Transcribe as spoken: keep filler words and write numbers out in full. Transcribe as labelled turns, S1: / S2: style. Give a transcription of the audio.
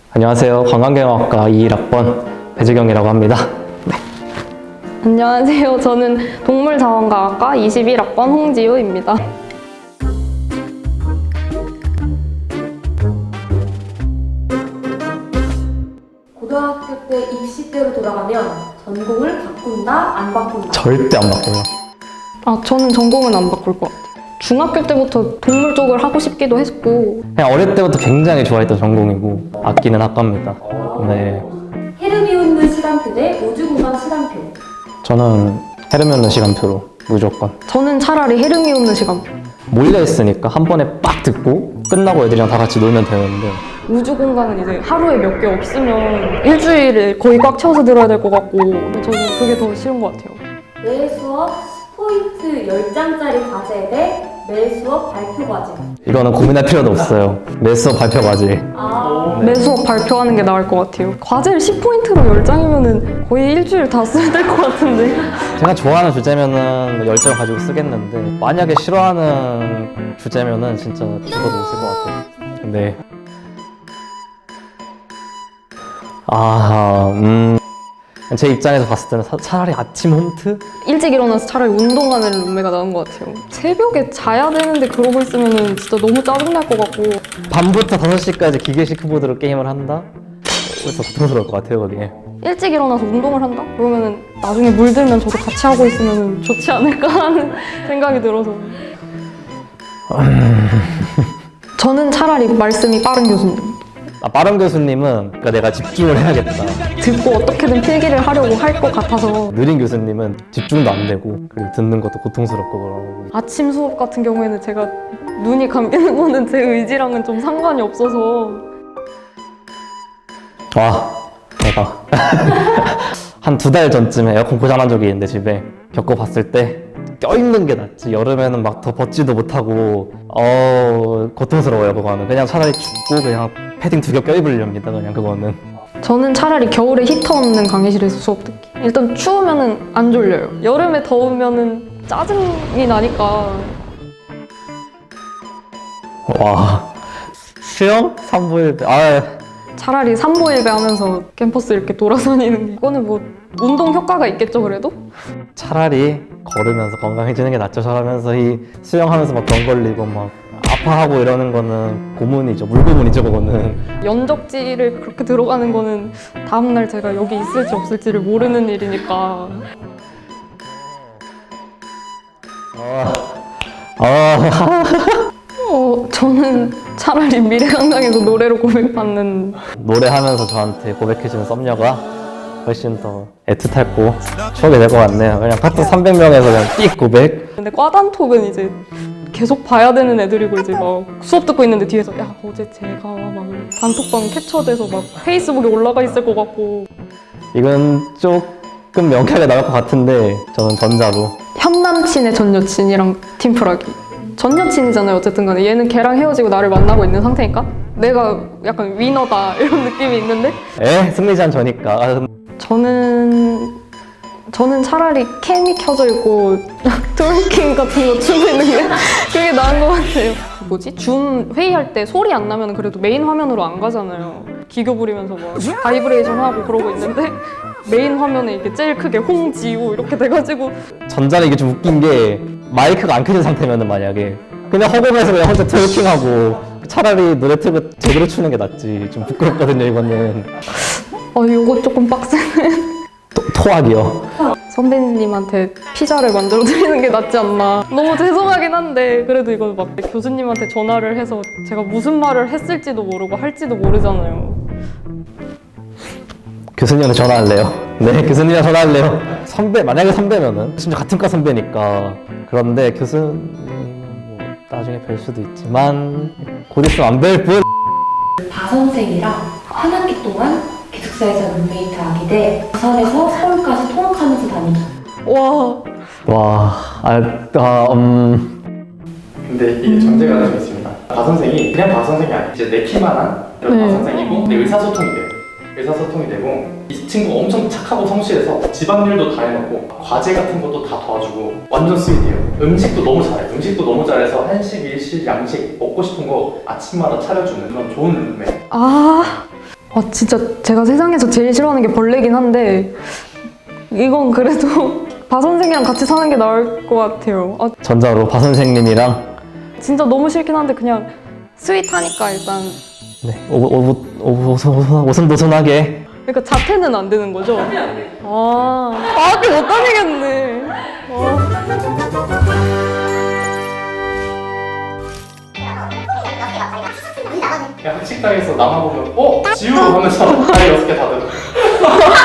S1: 안녕하세요. 관광경영학과 이십일 학번 배재경이라고 합니다. 네.
S2: 안녕하세요. 저는 동물자원과학과 이십일 학번 홍지우입니다.
S3: 고등학교 때 입시 때로 돌아가면 전공을 바꾼다, 안 바꾼다?
S1: 절대 안 바꿔요.
S2: 아, 저는 전공은 안 바꿀 것 같아요. 중학교 때부터 동물 쪽을 하고 싶기도 했고,
S1: 그냥 어릴 때부터 굉장히 좋아했던 전공이고 아끼는 학과입니다. 네.
S3: 헤르미온느 시간표 대 우주공간 시간표.
S1: 저는 헤르미온느 시간표로 무조건.
S2: 저는 차라리 헤르미온느 시간표.
S1: 몰려 있으니까 한 번에 빡 듣고 끝나고 애들이랑 다 같이 놀면 되는데
S2: 우주 공간은 이제 하루에 몇 개 없으면 일주일에 거의 꽉 채워서 들어야 될 것 같고, 저는 그게 더 싫은 것 같아요.
S3: 매 수업 십 포인트 열 장짜리 과제 대 매 수업 발표 과제.
S1: 이거는 고민할 필요도 없어요. 매 수업 발표 과제.
S3: 아,
S2: 매 수업 발표하는 게 나을 것 같아요. 과제를 십 포인트로 열 장이면 거의 일주일 다 써야 될 것 같은데.
S1: 제가 좋아하는 주제면은 열정 가지고 쓰겠는데 만약에 싫어하는 주제면은 진짜 죽어도 못 쓸 것 같아요. 네. 아, 음. 제 입장에서 봤을 때는 사- 차라리 아침 홈트?
S2: 일찍 일어나서 차라리 운동하는 룸메가 나은 것 같아요. 새벽에 자야 되는데 그러고 있으면 진짜 너무 짜증날 것 같고.
S1: 밤부터 다섯 시까지 기계식 키보드로 게임을 한다? 그래서 고통스러울 것 같아요, 그게.
S2: 일찍 일어나서 운동을 한다? 그러면은 나중에 물들면 저도 같이 하고 있으면 좋지 않을까 하는 생각이 들어서. 저는 차라리 말씀이 빠른 교수님.
S1: 아, 빠른 교수님은 그러니까 내가 집중을 해야겠다.
S2: 듣고 어떻게든 필기를 하려고 할 것 같아서.
S1: 느린 교수님은 집중도 안 되고 그리고 듣는 것도 고통스럽고 그러고.
S2: 아침 수업 같은 경우에는 제가 눈이 감기는 거는 제 의지랑은 좀 상관이 없어서.
S1: 와, 대박. 한 두 달 전쯤에 에어컨 고장난 적이 있는데 집에 겪어봤을 때 껴있는 게 낫지. 여름에는 막 더 벗지도 못하고 어 고통스러워요. 그거는 그냥 차라리 춥고 그냥 패딩 두 겹 껴입으렵니다. 그냥 그거는.
S2: 저는 차라리 겨울에 히터 없는 강의실에서 수업 듣기. 일단 추우면은 안 졸려요. 여름에 더우면은 짜증이 나니까.
S1: 와, 수영? 삼부일배. 아,
S2: 차라리 삼보일배 하면서 캠퍼스 이렇게 돌아다니는 게. 이거는 뭐 운동 효과가 있겠죠, 그래도?
S1: 차라리 걸으면서 건강해지는 게 낫죠. 저러면서 이 수영하면서 막 병 걸리고 막 아파하고 이러는 거는 고문이죠. 물고문이죠, 그거는.
S2: 연적지를 그렇게 들어가는 거는 다음날 제가 여기 있을지 없을지를 모르는 일이니까.
S1: 아, 아.
S2: 어, 저는 차라리 미래강당에서 노래로 고백받는.
S1: 노래하면서 저한테 고백해주는 썸녀가 훨씬 더 애틋하고 추억이 될 것 같네요. 그냥 카톡 삼백 명에서 그냥 띡 고백.
S2: 근데 과단톡은 이제 계속 봐야 되는 애들이고 이제 막 수업 듣고 있는데 뒤에서 야 어제 제가 막 단톡방 캡처돼서 막 페이스북에 올라가 있을 것 같고.
S1: 이건 조금 명쾌하게 나올 것 같은데 저는 전자로.
S2: 현 남친의 전 여친이랑 팀플하기. 전 여친이잖아요 어쨌든 간에. 얘는 걔랑 헤어지고 나를 만나고 있는 상태니까 내가 약간 위너다 이런 느낌이 있는데,
S1: 에? 승리자는 저니까. 아,
S2: 저는 저는 차라리 캠이 켜져 있고 트월킹 같은 거 추고 있는 게 그게 나은 것 같아요. 뭐지? 줌 회의할 때 소리 안 나면 그래도 메인 화면으로 안 가잖아요. 기교 부리면서 막 바이브레이션 하고 그러고 있는데 메인 화면에 이게 제일 크게 홍지우 이렇게 돼가지고.
S1: 전자는 이게 좀 웃긴 게 마이크가 안 켜진 상태면은 만약에 그냥 허공에서 그냥 혼자 트월킹하고 차라리 노래 틀고 제대로 추는 게 낫지. 좀 부끄럽거든요, 이거는.
S2: 어 이거 조금 빡세네.
S1: 토, 토악이요.
S2: 선배님한테 피자를 만들어 드리는 게 낫지 않나. 너무 죄송하긴 한데 그래도 이건 막 교수님한테 전화를 해서 제가 무슨 말을 했을지도 모르고 할지도 모르잖아요.
S1: 교수님한테 전화할래요. 네, 교수님한테 전화할래요. 선배, 만약에 선배면은 심지어 같은 과 선배니까. 그런데 교수님 뭐 나중에 뵐 수도 있지만 곧 있으면 안 뵐 뿐.
S3: 다선생이랑 한 학기 동안 기숙사에서 룸메이트 하기 대 부산에서 서울까지 통학하면서 다니기.
S2: 와.
S1: 와, 아, 아 음.
S4: 근데 이게 전제가 좀 있습니다. 바 선생이 그냥 바 선생이 아니에요. 이제 내 키만한 그런
S2: 네.
S4: 바 선생이고 근데 의사소통이 돼요. 의사소통이 되고 이 친구 엄청 착하고 성실해서 집안일도 다 해놓고 과제 같은 것도 다 도와주고 완전 스윗해요. 음식도 너무 잘해요. 음식도 너무 잘해서 한식, 일식, 양식 먹고 싶은 거 아침마다 차려주는 그런 좋은 룸메.
S2: 아 아 진짜 제가 세상에서 제일 싫어하는 게 벌레긴 한데 이건 그래도 바 선생이랑 같이 사는 게 나을 것 같아요. 아
S1: 전자로 바 선생님이랑
S2: 진짜 너무 싫긴 한데 그냥 스윗하니까 일단
S1: 네, 오오 오손 오손도손하게
S2: 그러니까 자퇴는 안 되는 거죠? 아, 아, 학교 못 다니겠네. 아.
S4: 그냥 학식당에서 나만 보면 어? 지우! 하면서 다리 여섯 개 다 들어.